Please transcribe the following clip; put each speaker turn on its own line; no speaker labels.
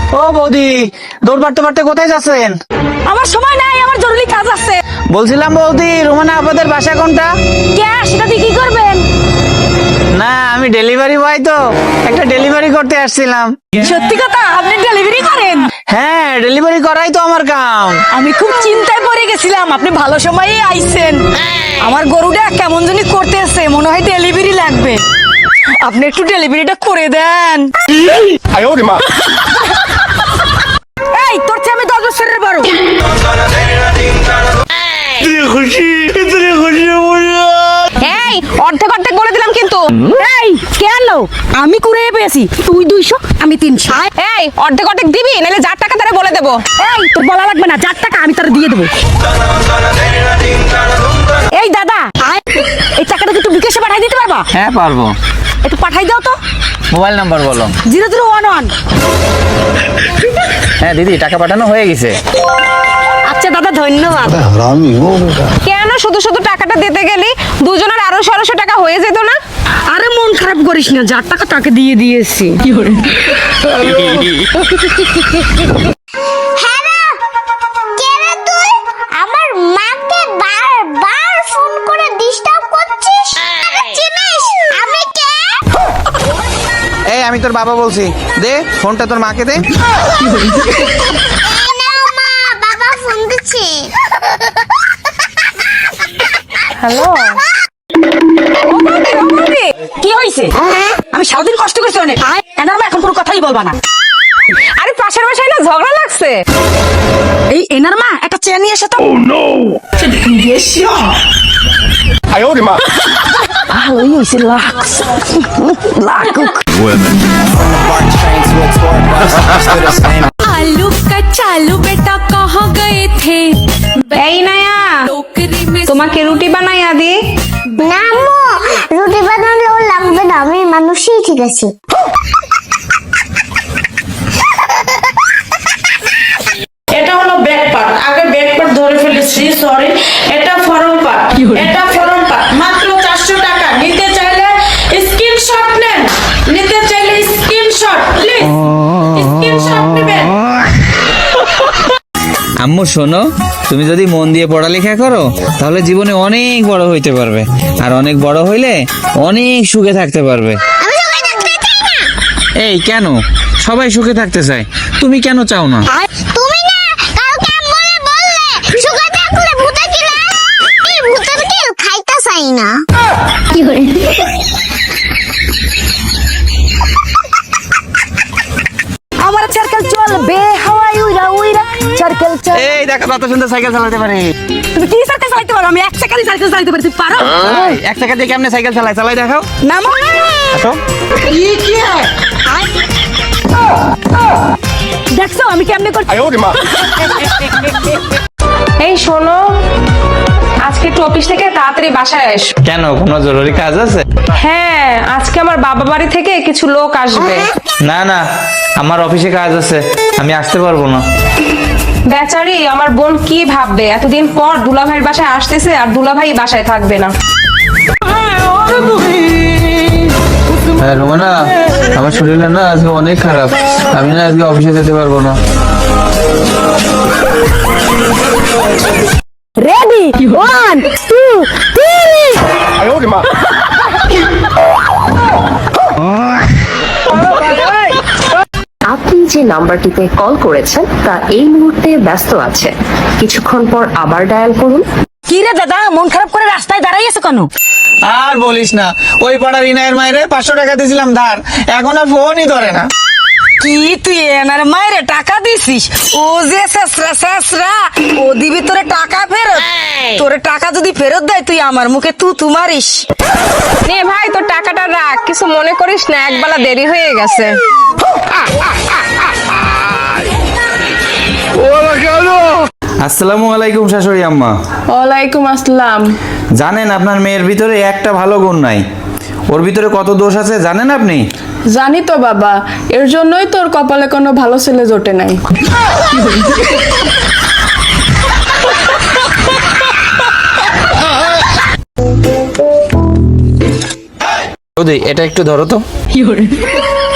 ও বৌদি, দৌড় মারতে মারতে কোথায় যাচ্ছেন?
আমার সময় নাই, আমার জরুরি কাজ আছে।
বলছিলাম বৌদি, রুমানা আপাদের বাসা কোনটা?
কে সেটা দিয়ে কি করবেন?
না, আমি ডেলিভারি বয় তো, একটা ডেলিভারি করতে আসছিলাম।
সত্যি কথা, আপনি ডেলিভারি করেন?
হ্যাঁ, ডেলিভারি করাই তো আমার কাম।
আমি খুব চিন্তায় পড়ে গেছিলাম, আপনি ভালো সময়ে আইছেন। আমার গরুটা কেমন জানি করতেছে, মনে হয় ডেলিভারি লাগবে। আপনি একটু ডেলিভারিটা করে দেন। এই তোর চেয়ে আমি 10 বছরের বড়।
এই অর্ধেক অর্ধেক বলে দিলাম কিন্তু।
এই কেন? আমি করে পেয়েছি, তুই 200 আমি 300।
এই অর্ধেক অর্ধেক দিবি, নাহলে যার টাকা তারা বলে দেবো।
এই তোর বলা লাগবে না, 4 টাকা আমি তোর দিয়ে দেবো। এই দাদা, এই টাকাটা একটু বিকাশে পাঠাই দিতে পারবা?
হ্যাঁ পারবো।
একটু পাঠাই দাও তো।
মোবাইল নাম্বার বলো।
0011।
হ্যাঁ দিদি, টাকা পাঠানো হয়ে গেছে।
আচ্ছা দাদা, ধন্যবাদ।
কেন শুধু শুধু টাকাটা দিতে গেলি? দুজনের 1200 টাকা হয়ে যেত না?
আরে মন খারাপ করিস না, 4 টাকা তাকে দিয়ে দিয়েছি।
আমার মাকে বারবার ফোন করে ডিস্টার্ব করছিস। চিনিস আমি কে?
এই আমি তোর বাবা বলছি, দে ফোনটা তোর মাকে দে।
এই নাও মা, বাবা ফোন দিচ্ছে।
হ্যালো,
কি হয়েছে? আমি সারাদিন কষ্ট করছি অনেক। এনার এখন কোনো কথাই বলবা না।
আরে পাশের বাসায় না ঝগড়া লাগছে।
এই এনার মা একটা চেয়ার নিয়ে এসে তো। ভালোই হয়েছে, লাগছে লাগুক।
आलू कचालू बेटा कहाँ गए थे?
এই নায়া,
टोकरी में
তোমাকে রুটি বানাইয়া দি।
না আম্মু, রুটি বানালেও লাগবে না, আমি মানুষই ঠিক আছে।
এটা হলো ব্যাক পার্ট, আগে ব্যাক পার্ট ধরে ফেলেছি, সরি। এটা ফরম পার্ট, এটা ফরম পার্ট। মাত্র 400 টাকা। নিতে চাইলে স্ক্রিনশট নেন, নিতে চাইলে স্ক্রিনশট প্লিজ, স্ক্রিনশট নেবেন।
আম্মু শোনো, তুমি যদি মন দিয়ে পড়ালেখা করো তাহলে জীবনে অনেক বড় হইতে পারবে, আর অনেক বড় হইলে অনেক সুখে থাকতে পারবে।
আমি সবাই থাকতে চাই না।
এই কেন? সবাই সুখে থাকতে চায়, তুমি কেন চাও না?
তুমি না কালকে আম্মুরে বললে সুখে থাকলে ভূতে কিলে, এই ভূতের কিল খাইতে চাই না। কি করে?
আমার সার্কেল চলবে হাওয়ায় উইরা উইরা, সার্কেল চল।
এই দেখো কত সুন্দর সাইকেল চালাতে পারে।
তুমি কি সার্কেল চালাতে পারো? আমি 1 সেকেন্ডে সার্কেল চালাতে পারি, তুমি পারো?
এই, এক টাকা দিয়ে কেমনে সাইকেল চালাই? চালাই দেখাও।
না মা,
আসো।
দেখছো আমি কেমনে করছি?
এই শোনো, আজকে একটু অফিস থেকে তাড়াতাড়ি বাসায় এসো।
কেন, কোনো জরুরি কাজ আছে?
হ্যাঁ, আজকে আমার বাবা বাড়ি থেকে কিছু লোক আসবে।
না না, আমার অফিসে কাজ আছে, আমি আসতে পারবো না।
বেচারি আমার বোন কি ভাববে, এতদিন পর দুলাভাইয়ের বাসায় আসতেছে আর দুলাভাই বাসায় থাকবে না।
হ্যাঁ রোমানা, আমার শরীরটা না আজকে অনেক খারাপ, আমি না আজকে অফিসে যেতে পারবো না।
রেডি 1 2 3।
আপনি যে নাম্বারটিতে কল করেছেন তা এই মুহূর্তে ব্যস্ত আছে, কিছুক্ষণ পর আবার ডায়াল করুন।
কি রে দাদা, মন খারাপ করে রাস্তায় দাঁড়াই আছো কেন?
আর বলিস না, ওই পাড়ার ইনায়ের মায়েরে 500 টাকা দিয়েছিলাম ধার, এখন আর ফোনই ধরে না।
কি তুই এনার মায়ের টাকা দিছিস? ও যে শেষরা ও দিবি তোরে টাকা ফেরত। তোরে টাকা যদি ফেরত দেয় তুই আমার মুখে তু মারিস।
নে ভাই, তোর টাকাটা রাখ, কিছু মনে করিস না, একবেলা দেরি হয়ে গেছে।
আসসালামু আলাইকুম শাশুড়ি আম্মা।
ওয়ালাইকুম আসসালাম।
জানেন আপনার মেয়ের ভিতরে একটা ভালো গুণ নাই, ওর ভিতরে কত দোষ আছে জানেন আপনি?
জানি তো বাবা, এর জন্যই তোর কপালে কোনো ভালো ছেলে জোটে নাই।
এটা একটু ধরো তো।